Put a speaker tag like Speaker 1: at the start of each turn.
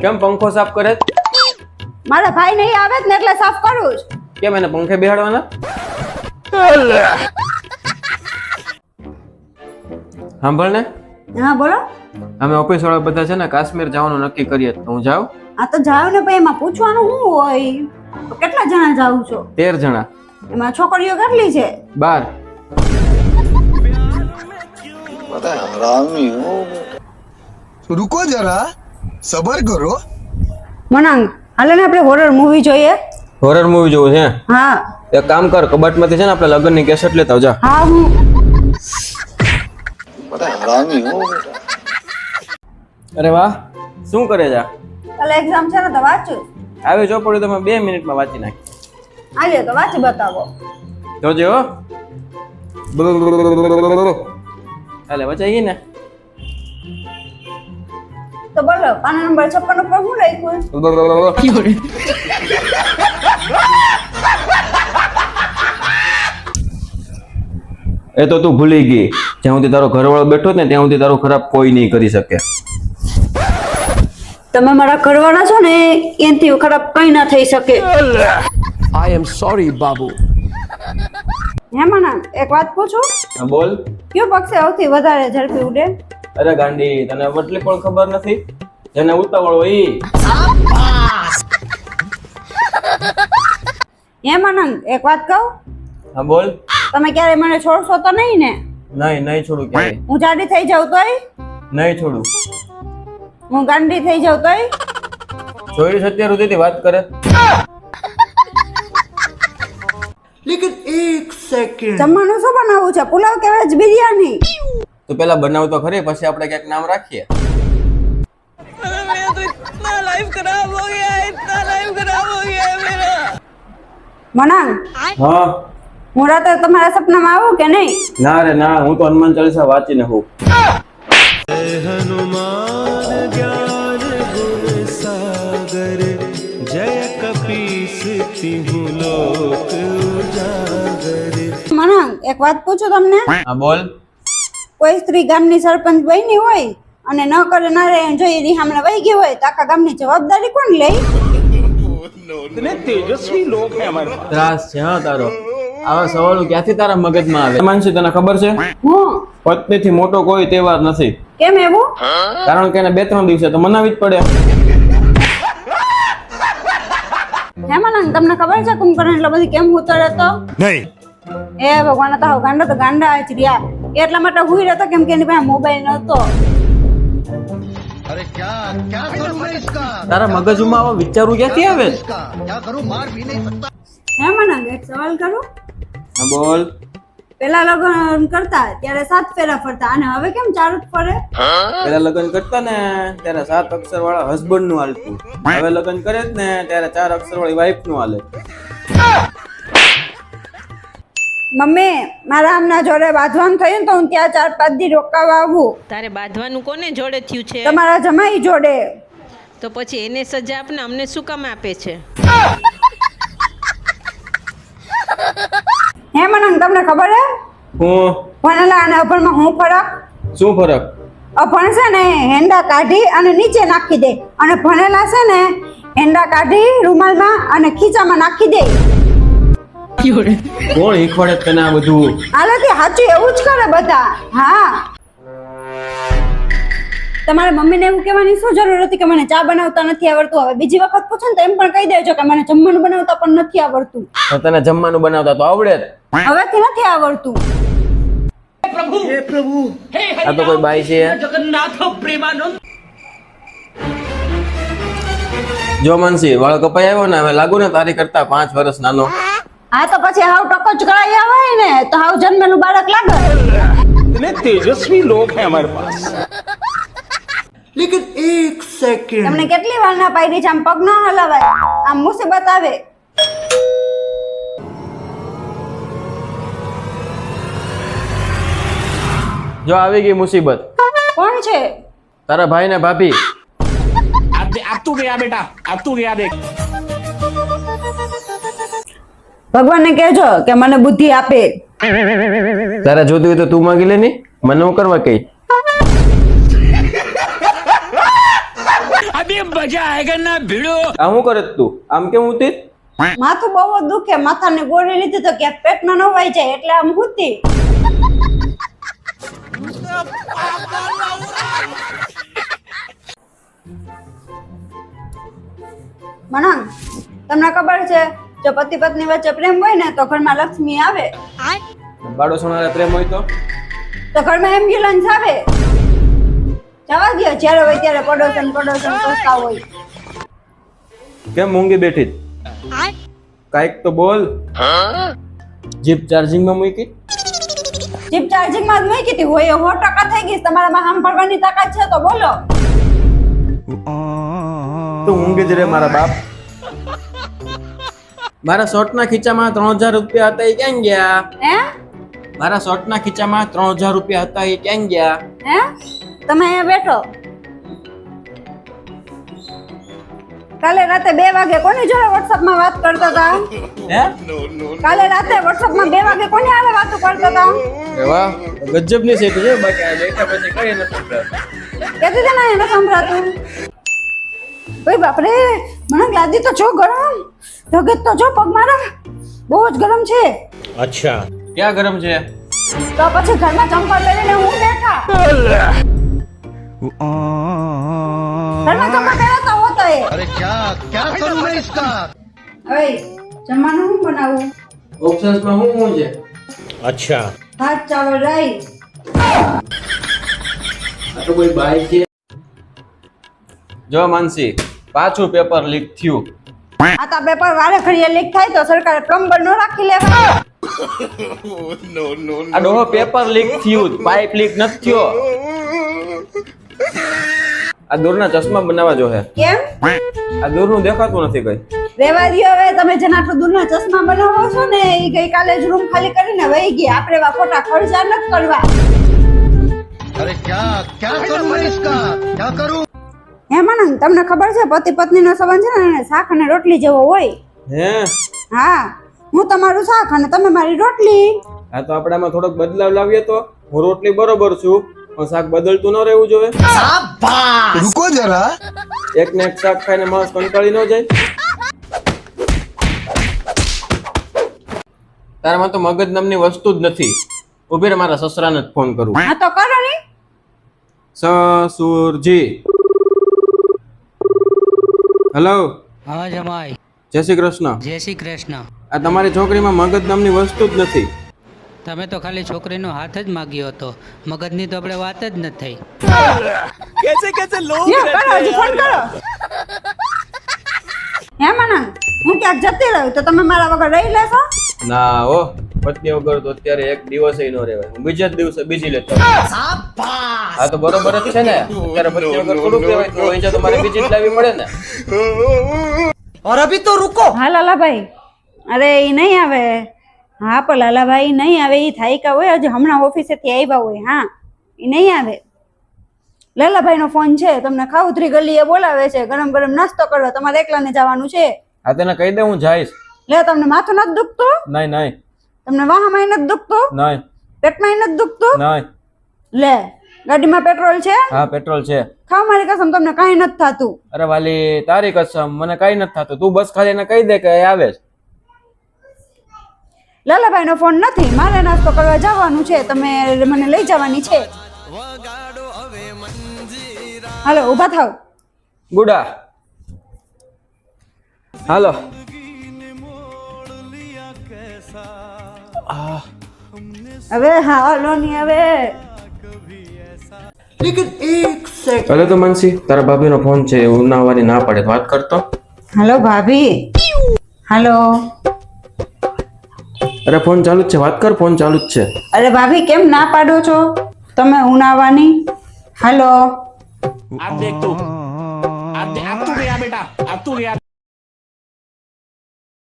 Speaker 1: કેમ પંખો સાફ કરે?
Speaker 2: મારા ભાઈ નહીં આવે ને એટલે સાફ કરું છું.
Speaker 1: કેમ એને પંખે બેહાડવાના? સાંભળ ને,
Speaker 2: હા બોલો.
Speaker 1: અમે ઓફિસ વાળા બધા છે ને કાશ્મીર જવાનું નક્કી કરીએ તો હું જાઉં?
Speaker 2: આ તો જાવ ને ભાઈ, એમાં પૂછવાનું શું હોય? તો કેટલા જણા જાવ છો?
Speaker 1: 13 જણા.
Speaker 2: એમાં છોકરીઓ કેટલી છે?
Speaker 1: 12.
Speaker 3: रुको जरा सबर करो।
Speaker 2: મનાંગ હાલે ને આપણે હોરર મૂવી જોઈએ.
Speaker 1: હોરર મૂવી જોવું છે?
Speaker 2: હા
Speaker 1: એક કામ કર, કબાટમાંથી છે ને આપણે લગ્નની કેસેટ લેતા આવ, જા.
Speaker 2: હા હું
Speaker 1: અરે વાહ, શું કરે જા?
Speaker 2: કાલે એક્ઝામ છે ને તો વાંચું.
Speaker 1: આવી ચોપડી તમે 2 મિનિટમાં વાંચી નાખી.
Speaker 2: આજે તો વાંચી બતાવો.
Speaker 1: જોજે હો. હાલે વચાઈ ગઈ ને?
Speaker 2: તો બોલો, પાના નંબર 56 ઉપર શું લખ્યું?
Speaker 1: એ તો તું ભૂલી ગઈ. જ્યાં સુધી તારો ઘરવાળો બેઠો ને ત્યાં સુધી તારો ખરાબ કોઈ નહીં કરી શકે.
Speaker 2: તમે મારા ઘરવાળા છો ને, એનાથી ખરાબ કઈ ના થઈ શકે.
Speaker 3: I am sorry, बाबू।
Speaker 2: હે મનાંગ એક વાત પૂછું?
Speaker 1: હા બોલ.
Speaker 2: કયો પક્ષી સૌથી વધારે ઝડપી ઉડે?
Speaker 1: અરે ગાંડી, તને વટલી પણ ખબર નથી? જેને ઉતાવળ હોય ઈ.
Speaker 2: હે મનાંગ એક વાત કહું?
Speaker 1: હા બોલ.
Speaker 2: તમે ક્યારે મને છોડશો તો નહીં ને?
Speaker 1: નહીં છોડું ક્યારેય.
Speaker 2: હું જાડી થઈ જાઉં તોય?
Speaker 1: નહીં છોડું.
Speaker 2: હું ગાંડી થઈ જાઉં તોય?
Speaker 1: જોઈ છે અત્યાર સુધીથી વાત કરે.
Speaker 3: लेकिन एक सेकंड
Speaker 2: જમવાનું શું બનાવવું છે? પુલાવ કે વેજ બિરયાની?
Speaker 1: તું પેલા બનાવ તો ખરી, પછી આપણે ક્યાંક નામ રાખીએ.
Speaker 2: મનાંગ
Speaker 1: હા.
Speaker 2: હું રાતે તમારા સપનામાં આવું કે નહીં?
Speaker 1: ના રે ના, હું તો હનુમાન ચાલીસા વાંચીને હું.
Speaker 4: हनुमान ज्ञान गुण सागर जय कपीस तिहु लोक उजागर।
Speaker 2: મનાંગ એક વાત પૂછું તમને?
Speaker 1: હા બોલ.
Speaker 2: કોઈ સ્ત્રી ગામની સરપંચ બની હોય અને ન કરે ના રે જોઈ એની સામે વહી ગઈ હોય તો આખા ગામની જવાબદારી કોણ લે?
Speaker 1: ત્રાસ છે હા તારો. આવા સવાલો ક્યાંથી તારા મગજમાં આવે? માનસી, તને ખબર છે
Speaker 2: હું
Speaker 1: પત્નીથી મોટો કોઈ તહેવાર નથી.
Speaker 2: કેમ એવું?
Speaker 1: કારણ કે એને 2-3 દિવસે તો મનાવી જ પડે.
Speaker 2: હે મનાંગ તમને ખબર છે કુંભકર્ણ એટલો બધી કેમ ઉતરે તો?
Speaker 3: नहीं।
Speaker 2: એ ભગવાન, તો ગાંડા તો ગાંડા જ રહ્યા. એટલા માટે હુઈ રહેતો કેમ કે એની પાસે મોબાઈલ નતો.
Speaker 3: अरे क्या क्या करूं मैं इसका?
Speaker 1: તારા મગજમાં આવા વિચારું ક્યાંથી આવે?
Speaker 3: क्या करूं? मार भी नहीं सकता।
Speaker 2: હે મનાંગ એક સવાલ કરું?
Speaker 1: હા બોલ.
Speaker 2: પેલા લગ્ન કરતા ત્યારે 7 ફેરા ફરતા અને હવે કેમ 4 જ ફરે?
Speaker 1: પેલા લગ્ન કરતા ને ત્યારે 7 અક્ષર વાળા હસબન્ડ નું હાલતું. હવે લગ્ન કરે જ ને ત્યારે 4 અક્ષર વાળી વાઈફ નું હાલે.
Speaker 2: મમ્મી મારા આમના જોડે બાંધવાનું થયું ને તો હું ત્યાં 4-5 દી રોકાવા આવું.
Speaker 5: તારે બાંધવાનું કોને જોડે થયું છે?
Speaker 2: તમારા જમાઈ જોડે.
Speaker 5: તો પછી એને સજા આપને, અમને શું કામ આપે છે?
Speaker 2: હે મનાંગ તમને ખબર હે
Speaker 1: હું
Speaker 2: ભણેલા અને અભણમાં શું ફરક?
Speaker 1: શું ફરક?
Speaker 2: અભણ છે ને હેંડા કાઢી અને નીચે નાખી દે અને ભણેલા છે ને હેંડા કાઢી રૂમાલમાં અને ખીચામાં નાખી દે.
Speaker 1: કોણ શીખવાડે તને આ બધું?
Speaker 2: આનાથી સાચું એવું જ કરે બધા. હા, તમારે મમ્મીને એવું કહેવાની શું જરૂર હતી કે મને ચા બનાવતા નથી આવડતું? હવે બીજી વખત પૂછો ને તો એમ પણ કહી દેજો કે મને જમવાનું બનાવતા પણ નથી આવડતું.
Speaker 1: તો તને જમવાનું બનાવતા તો આવડે જ.
Speaker 2: હવેથી નથી આવડતું.
Speaker 1: આ તો કોઈ બાઈ છે? જો માનસી, વાળ કપાઈ આવ્યો ને, હવે લાગુ ને તારી કરતા 5 વર્ષ નાનો.
Speaker 2: હા તો પછી હાવ ટકો જ કરાઈ આવે ને તો હાવ જન્મેલું બાળક લાગે.
Speaker 4: इतने तेजस्वी लोग हैं हमारे पास।
Speaker 3: लेकिन एक सेकंड।
Speaker 2: તમને કેટલી વાર ના પાડી છે આમ પગ ન હલાવાય, આમ મુસીબત આવે.
Speaker 1: જો આવી ગઈ મુસીબત.
Speaker 2: કોણ છે?
Speaker 1: તારા ભાઈ ને ભાભી.
Speaker 4: अब तू गया बेटा, अब तू गया देख।
Speaker 2: ભગવાનને કહેજો કે મને બુદ્ધિ આપે.
Speaker 1: તારે જોતી હોય તો તું માંગી લે ની, મને હું કરવા કઈ?
Speaker 4: अभी
Speaker 1: આ શું કરે તું? આમ કેમ ઉતી?
Speaker 2: માથું બહુ જ દુખે, માથાની ગોળી લીધી તો ક્યાંક પેટમાં નવાઈ જાય એટલે આમ હુતી. મનંગ, તમને ખબર છે જો પતિ પત્ની વચ્ચે પ્રેમ હોય ને તો ઘરમાં લક્ષ્મી આવે,
Speaker 1: બાળો સોનારા પ્રેમ હોય
Speaker 2: તો ઘરમાં એમ્બ્યુલન્સ આવે. જવા દો, જ્યારે હોય ત્યારે પડોશન કરતા હોય.
Speaker 1: કેમ મૂંગી બેઠી? કાઈક તો બોલ. જીપ ચાર્જિંગ માં મૂકી?
Speaker 2: જીપ ચાર્જિંગ માં જ મૂકી હતી હોય 100% થઈ ગઈ. તમારામાં સાંભળવાની તાકાત છે તો બોલો.
Speaker 1: તું મૂંગી જ રે મારા બાપ. મારા શર્ટના ખીચામાં 3000 રૂપિયા હતા, એ ક્યાં ગયા?
Speaker 2: હે
Speaker 1: મારા શર્ટના ખીચામાં 3000 રૂપિયા હતા, એ ક્યાં ગયા?
Speaker 2: હે તમે અહીંયા બેઠો. કાલે રાતે 2 વાગે કોની જોડે WhatsApp માં વાત કરતા હતા?
Speaker 1: હે?
Speaker 2: કાલે રાતે WhatsApp માં 2 વાગે કોની હારે વાતો કરતા હતા?
Speaker 1: વાહ, ગજબની સેટ છે. બાકી આ બેઠા પછી કઈ નથી સંભળાતું.
Speaker 2: કેતી છે ને એને સંભળાતું. ઓય બાપ રે, મને લાદી તો જો ગરમ. જગત તો જો પગ મારા બહુ જ ગરમ છે.
Speaker 1: ક્યાં ગરમ છે?
Speaker 2: તો પછી ઘરમાં ચંપલ પહેરીને હું બેઠા. ઘરમાં ચંપલ પહેરતા હોતો એ.
Speaker 3: अरे क्या क्या करूं मैं इसका?
Speaker 2: ઓય જમવાનું હું બનાવું?
Speaker 1: ઓપ્શન્સ માં શું છે?
Speaker 2: ભાત ચાવલ રાઈ.
Speaker 1: આ તો કોઈ બાઈ છે. જો માનસી, પાછું પેપર લીક થયું.
Speaker 2: આ તો પેપર વારે ઘડીએ લીક થાય તો સરકારે પ્લમ્બર નો રાખી લેવા.
Speaker 1: આ ડોહો પેપર લીક થયું, પાઇપ લીક નથી થયો. આ દૂરના ચશ્મા બનાવવા જો હે.
Speaker 2: કેમ?
Speaker 1: આ દૂરનું દેખાતું નથી કઈ.
Speaker 2: રેવા દ્યો હવે, તમે જેના આટલું દૂરના ચશ્મા બનાવો છો ને એ ગઈકાલે જ રૂમ ખાલી કરીને વહી ગયા. આપણે એવા ખોટા ખર્ચા નથી કરવા.
Speaker 3: अरे क्या क्या करूं मैं इसका? क्या करूं?
Speaker 2: હે મનંગ, તમને ખબર છે પતિ પત્નીનો સંબંધ છે ને શાક અને રોટલી જેવો હોય.
Speaker 1: હે?
Speaker 2: હા, હું તમારું શાક અને તમે મારી રોટલી.
Speaker 1: આ તો આપણામાં થોડોક બદલાવ લાવીએ તો. હું રોટલી બરોબર છું, પણ શાક બદલતું ન રહેવું જોઈએ.
Speaker 3: रुको जरा.
Speaker 1: એક ને એક શાક ખાઈને માણસ કંટાળી ન જાય. તારામાં તો મગજ નામની વસ્તુ જ નથી. ઉભી રે, મારા સસરાને જ ફોન કરું.
Speaker 2: હા તો કરો ને.
Speaker 1: સસુરજી. હેલો.
Speaker 6: હા જમાઈ,
Speaker 1: જય શ્રી કૃષ્ણ.
Speaker 6: જય શ્રી કૃષ્ણ.
Speaker 1: આ તમારી છોકરીમાં મગજ નામની વસ્તુ જ નથી.
Speaker 6: તમે તો ખાલી છોકરીનો હાથ જ માગ્યો હતો, મગજની તો આપણે વાત જ નથી થઈ.
Speaker 2: લ્યો, કરો હજી ફોન કરો. હે મનંગ, હું ક્યાંક જતી રહું તો તમે મારા વગર રહી લેશો?
Speaker 1: ના હો, પત્ની વગર તો અત્યારે એક દિવસે ન રહેવાય. હું બીજા જ દિવસે બીજી લેતો. હા તો બરોબર જ છે ને. અત્યારે પત્ની વગર થોડું કહેવાય, તો અહીં તો મારે બીજી જ લાવવી પડે ને.
Speaker 2: હા લાલાભાઈ, અરે એ નહીં આવે. હા પણ લાલાભાઈ નહીં આવે, એ થાયકા હોય, હજી હમણાં ઓફિસેથી આવ્યા હોય. હા એ નહીં આવે. લાલાભાઈનો ફોન છે, તમને ખાઉધરી ગલીએ બોલાવે છે ગરમ ગરમ નાસ્તો કરવા. તમારે એકલાને જવાનું છે.
Speaker 1: હા તેને કહી દે હું જઈશ.
Speaker 2: લે, તમને માથું નથી દુખતું?
Speaker 1: નહીં નહીં
Speaker 2: તમને વાહામાં નથી દુખતું?
Speaker 1: નહીં
Speaker 2: પેટમાં નથી દુખતું?
Speaker 1: નહીં.
Speaker 2: લે, ગાડીમાં પેટ્રોલ છે?
Speaker 1: હા પેટ્રોલ છે.
Speaker 2: ખાવ મારી કસમ, તમને કાંઈ નથી થતું.
Speaker 1: અરે વાલી તારી કસમ, મને કઈ નથી થતું. તું બસ ખાલી એને કહી દે કે એ આવે છે.
Speaker 2: લાલાભાઈનો ફોન નથી, મારે નાસ્તો કરવા જવાનું છે. તમે મને લઈ જવાની છે. હાલો ઊભા થાવ.
Speaker 1: ગુડા હાલો.
Speaker 2: હવે હા હાલો ની હવે.
Speaker 1: અરે તો માનસી, તારા ભાભીનો ફોન છે, એવું ના આવવાની ના પડે. વાત કરતો.
Speaker 2: હાલો ભાભી. હાલો.
Speaker 1: અરે ફોન ચાલુ જ છે, વાત કર. ફોન ચાલુ જ છે.
Speaker 2: અરે ભાભી કેમ ના પાડો છો તમે ઉનાવાની? હાલો.
Speaker 4: अब देख तू अब तू गया बेटा, अब तू गया.